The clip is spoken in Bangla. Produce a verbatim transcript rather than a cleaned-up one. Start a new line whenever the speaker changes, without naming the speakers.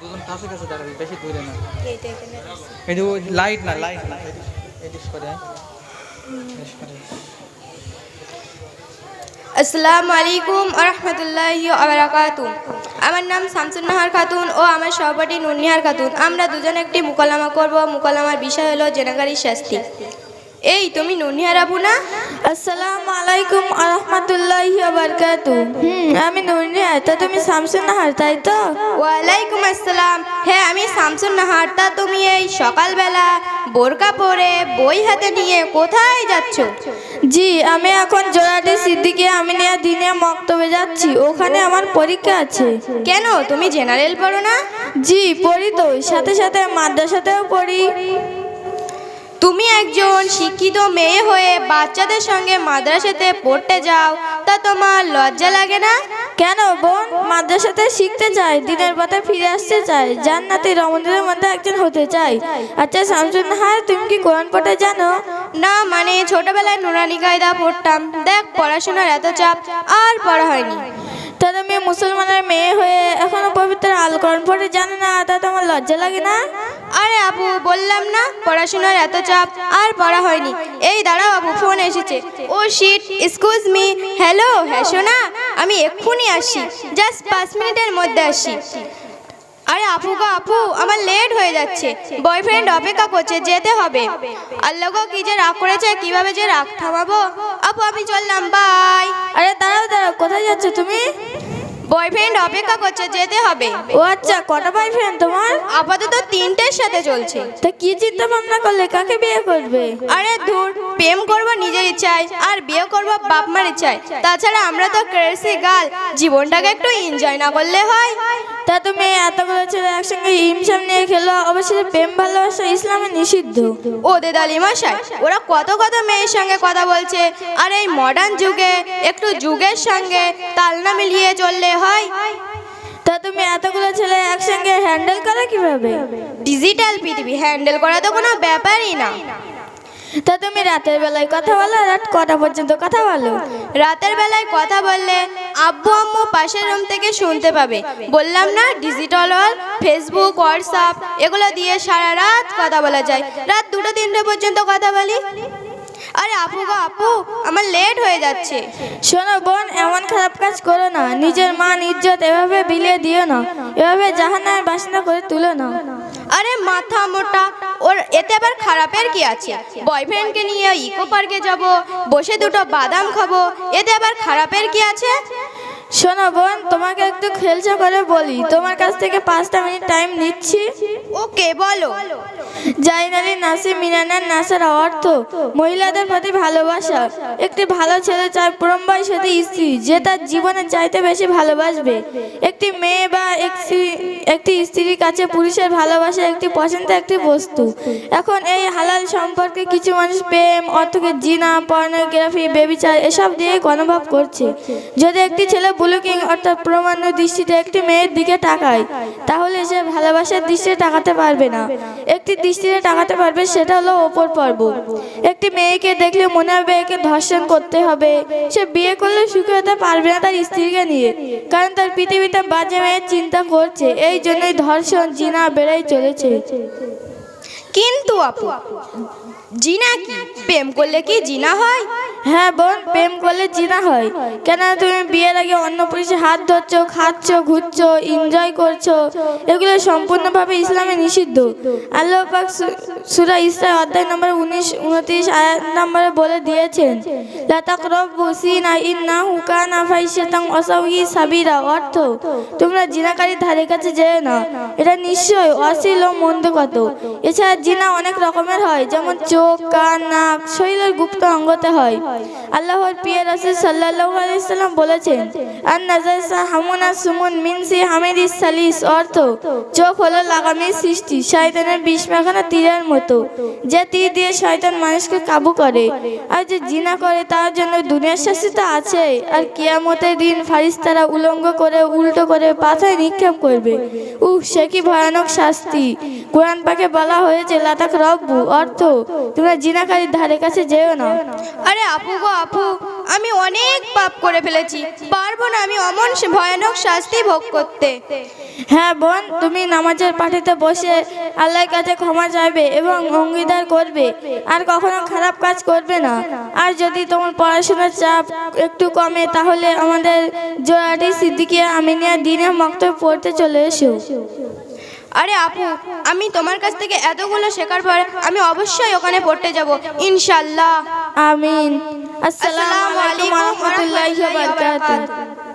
দুজন কাছে কাছে দাঁড়াবি, বেশি দূরে না।
এইটা এখানে আছে।
এই যে লাইট না, লাইট না, এডিট করে এডিট করে।
আসসালামু আলাইকুম ওয়া রাহমাতুল্লাহি ওয়া বারাকাতুহু। আমার নাম শামসুন নাহার খাতুন ও আমার সহপাঠী নুরনিহার খাতুন। আমরা দুজন একটি মুকালামা করব। মুকালামার বিষয় হলো জেনাকারীর শাস্তি। এই তুমি নুরনিহার আপু না?
আসসালামু আলাইকুম ওয়া রাহমাতুল্লাহি ওয়া বারাকাতুহু। হুম, আমি নুরনিহা। তা তুমি শামসুন নাহার, তাই তো?
ওয়ালাইকুম আসসালাম। হ্যাঁ, আমি শামসুন নাহার। তা তুমি এই সকালবেলা বোরকা পরে বই হাতে নিয়ে কোথায় যাচ্ছ?
জি, আমি এখন জোড়াটি সিদ্দিকে আমিনিয়া দিনে মক্তবে যাচ্ছি। ওখানে আমার পরীক্ষা আছে।
কেন, তুমি জেনারেল পড়ো না?
জি, পড়ি তো, সাথে সাথে মাদ্রাসাতেও পড়ি।
তুমি একজন শিক্ষিত মেয়ে হয়ে বাচ্চাদের সঙ্গে মাদ্রাসাতে পড়তে যাও, তা তোমার লজ্জা লাগে না?
কেন বোন, মাদ্রাসাতে শিখতে চাই, দিনের পথে ফিরে আসতে চাই, জান্নাতি রমণীদের মধ্যে একজন হতে চাই। আচ্ছা শামসুন নাহার, তুমি কি কোরআন পড়তে জানো?
না, মানে ছোটবেলায় নুরানি কায়দা পড়তাম। দেখ, পড়াশোনার এত চাপ আর পড়া হয়নি।
তা তুমি মুসলমানের মেয়ে হয়ে এখনো পবিত্র আল কোরআন পড়তে জানো না, তা তোমার লজ্জা লাগে না?
আরে আপু, বললাম না পড়াশোনার এত চাপ আর পড়া হয়নি। এই দাঁড়াও আপু, ফোন এসেছে। Oh shit, excuse me. Hello, হ্যাঁ শোনা, আমি এক্ষুনি আসি, জাস্ট পাঁচ মিনিটের মধ্যে আসি। আরে আপু গো আপু, আমার লেট হয়ে যাচ্ছে, বয়ফ্রেন্ড অপেক্ষা করছে, যেতে হবে। আল্লাহ গো, কি যে রাগ করেছে, কিভাবে যে রাগ থামাবো। আপু আমি চললাম, বাই।
আরে দাঁড়াও দাঁড়াও, কোথায় যাচ্ছ তুমি?
বয়ফ্রেন্ড অপেক্ষা করছে, যেতে হবে।
ও আচ্ছা, কটা বয়ফ্রেন্ড তোমার?
আপাতত তিনটের সাথে চলছে।
তা কি চিন্তা ভাবনা করলে, কাকে বিয়ে করবে?
আরে ধুর, প্রেম করব নিজের ইচ্ছায় আর বিয়ে করব বাপ মার ইচ্ছায়। তাছাড়া আমরা তো ক্রেজি গার্ল, জীবনটাকে একটু এনজয় না করলে হয়?
তা তুমি এতগুলো ছেলে একসঙ্গে ইমসাম নিয়ে খেলো, অবশ্যই প্রেম ভালোবাসা ইসলামে নিষিদ্ধ।
ও দেদালি মশাই, ওরা কত কত মেয়ের সঙ্গে কথা বলছে, আর এই মডার্ন যুগে একটু যুগের সঙ্গে তাল না মিলিয়ে চললে হয়?
তা তুমি এতগুলো ছেলে একসঙ্গে হ্যান্ডেল করো কিভাবে?
ডিজিটাল পৃথিবী, হ্যান্ডেল করা তো কোনো ব্যাপারই না।
তা তুমি রাতের বেলায় কথা বলো, রাত কটা পর্যন্ত কথা বলো?
রাতের বেলায় কথা বললে আব্বু আম্মু পাশের রুম থেকে শুনতে পাবে। বললাম না, ডিজিটাল ওয়ার্ল্ড, ফেসবুক, হোয়াটসঅ্যাপ এগুলো দিয়ে সারা রাত কথা বলা যায়। রাত দুটো তিনটে পর্যন্ত কথা বলি। আরে আপু গো আপু, আমার লেট হয়ে যাচ্ছে।
শোনো বোন, এমন খারাপ কাজ করো না, নিজের মান ইজ্জত এভাবে বিলিয়ে দিও না, এভাবে জাহান্নামের বাসিন্দা করে তুলো না।
আরে মাথা মোটা, ওর এতে আবার খারাপের কি আছে? বয়ফ্রেন্ডকে নিয়ে ইকো পার্কে যাব, বসে দুটো বাদাম খাবো, এতে আবার খারাপের কি আছে?
শোনো বোন, তোমাকে একটু খেলচা করে বলি, তোমার কাছ থেকে পাঁচটা মিনিট টাইম নিচ্ছি।
ওকে, বলো।
জাইনালি নাসি মিনানার নাসার অর্থ মহিলাদের প্রতি ভালোবাসা। একটি ভালো ছেলে চায় পরমবাই সাথে স্ত্রী যে তার জীবনে চাইতে বেশি ভালোবাসবে। একটি মেয়ে বা একটি স্ত্রীর কাছে পুরুষের ভালোবাসা একটি পছন্দের একটি বস্তু। এখন এই হালাল সম্পর্কে কিছু মানুষ প্রেম অর্থকে জিনা, পর্নোগ্রাফি, বেবিচার এসব দিয়ে গণভাব করছে। যদি একটি ছেলে বুলুকিং অর্থাৎ প্রমাণ্য দৃষ্টিতে একটি মেয়ের দিকে তাকায়, তাহলে সে ভালোবাসার দৃষ্টিতে তাকাতে পারবে না, একটি দৃষ্টিতে তাকাতে পারবে, সেটা হলো ওপর পর্ব। একটি মেয়েকে দেখলে মনে হবে একে ধর্ষণ করতে হবে। সে বিয়ে করলে সুখী হতে পারবে না তার স্ত্রীকে নিয়ে, কারণ তার পৃথিবীতে বাজে মেয়ের চিন্তা করছে। এই জন্যই ধর্ষণ, জিনা বেড়েই চলেছে।
কিন্তু আপু, জিনা কি? প্রেম করলে কি জিনা হয়?
হ্যাঁ বোন, প্রেম করলে জিনা হয়। কেন, তুমি বিয়ের আগে অন্য পুরুষের হাত ধরছো, খাচ্ছ, ঘুরছো, এনজয় করছো, এগুলো সম্পূর্ণভাবে ইসলামে নিষিদ্ধ। আল্লাহ পাক সূরা ইসরা অধ্যায় নম্বর উনিশ উনত্রিশ আয়াত নম্বরে বলে দিয়েছেন, লা তাকরাবু জিনা ইন্নাহু কানা ফাহিশাতান ওয়া সাওয়ি সাবিরা। অর্থ, তোমরা জিনাকারীর ধারে কাছে যেও না, এটা নিশ্চয় অশ্লীল ও মন্দ কত। এছাড়া জিনা অনেক রকমের হয়, যেমন চোখ, কান, নাক, শরীরের গুপ্ত অঙ্গতে হয়। আল্লাহর প্রিয় রাসূল সাল্লাল্লাহু আলাইহি ওয়াসাল্লাম বলেছেন, আন নাজাসা হামুনা সুমুন মিন সি হামিদিস সালিস। অর্থ, চোখ হলো লাগামের সৃষ্টি, শয়তানের বিষ মাখানো তীরের মতো, যে তীর দিয়ে শয়তান মানুষকে কাবু করে। আর যে জিনা করে তার জন্য দুনিয়ার শাস্তি তো আছে, আর কিয়ামতের দিন ফারিস্তারা উলঙ্গ করে উল্টো করে পাথায় নিক্ষেপ করবে। উহ, সে কি ভয়ানক শাস্তি! কোরআন পাকে বলা হয়েছে, লা তাকরাবু। অর্থ, তোমরা জিনাকারীর ধারে কাছে যেও না।
আরে আপু গো আপু, আমি অনেক পাপ করে ফেলেছি, পারবো না আমি অমন ভয়ানক শাস্তি ভোগ করতে।
হ্যাঁ বোন, তুমি নামাজের পাঠিতে বসে আল্লাহর কাছে ক্ষমা চাইবে এবং অঙ্গীকার করবে আর কখনো খারাপ কাজ করবে না। আর যদি তোমার পড়াশোনার চাপ একটু কমে তাহলে আমাদের জোড়াটি সিদ্দিকিয়া আমিনিয়া দিনে মক্তব পড়তে চলে এসো।
আরে আপু, আমি তোমার কাছ থেকে এতগুলো শেখার পর আমি অবশ্যই ওখানে পড়তে যাব ইনশাল্লাহ।
আমিন। আসসালামু আলাইকুম ওয়া রাহমাতুল্লাহি ওয়া বারাকাতুহু।